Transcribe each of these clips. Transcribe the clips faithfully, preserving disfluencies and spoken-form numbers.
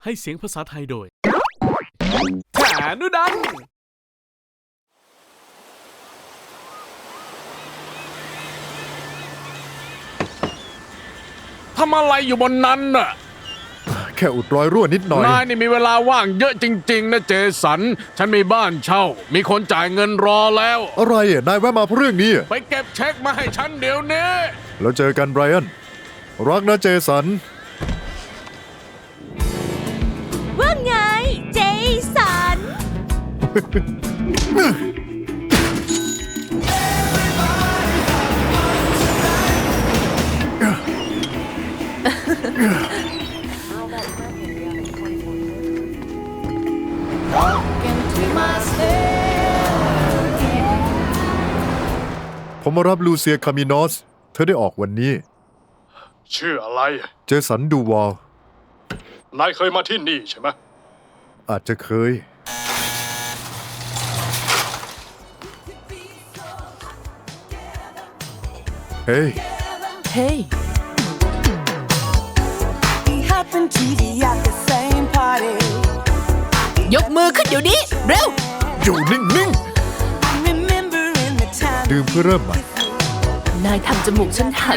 ให้เสียงภาษาไทยโดยแขนุดันทำอะไรอยู่บนนั้นน่ะแค่อุดรอยรั่วนิดหน่อยนายนี่มีเวลาว่างเยอะจริงๆนะเจสันฉันมีบ้านเช่ามีคนจ่ายเงินรอแล้วอะไรอ่ะนายแวะมาเพราะเรื่องนี้ไปเก็บเช็คมาให้ฉันเดี๋ยวนี้แล้วเจอกันไบรอันรักนะเจสันว่าไงเจสันผมมารับลูเซียคามินอสเธอได้ออกวันนี้ชื่ออะไรเจสันดูวอลนายเคยมาที่นี่ใช่ไหมอาจจะเคยเฮ้ยเฮ้ยยกมือขึ้นเดี๋ยวนี้เร็วอยู่นิ่งๆดื่มเพื่อเริ่มใหม่นายทำจมูกฉันหัก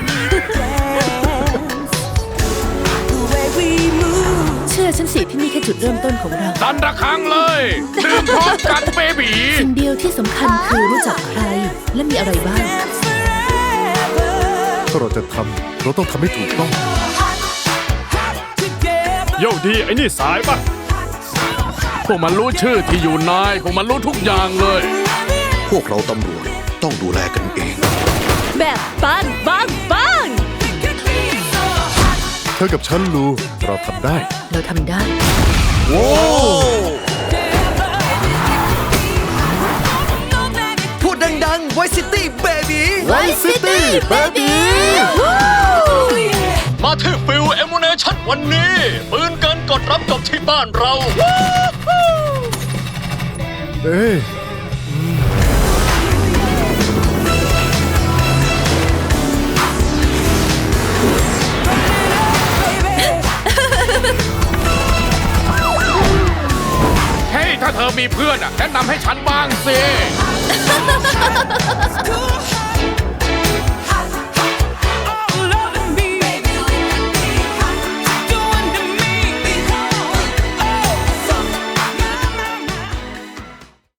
เชื่อฉันสิที่นี่แค่จุดเริ่มต้นของเราดันระฆังเลยดื่มพร้อมกันเบบีสิ่งเดียวที่สำคัญคือรู้จักใครและมีอะไรบ้างถ้าเราจะทำเราต้องทำให้ถูกต้องโยดีไอ้นี่สายปะพวกมันรู้ชื่อที่อยู่นายพวกมันรู้ทุกอย่างเลยพวกเราตำรวจต้องดูแลกันเองแบบปังปังปังเธอกับฉันลูเราทำได้เราทำได้โว้พูดดังๆ Vice City Baby Vice City Baby มาที่ฟิลเอมูเนชั่นวันนี้ปืนกันกดรับจบที่บ้านเราเอ้ยถ้าเธอมีเพื่อนแนะนำให้ฉันบ้างสิ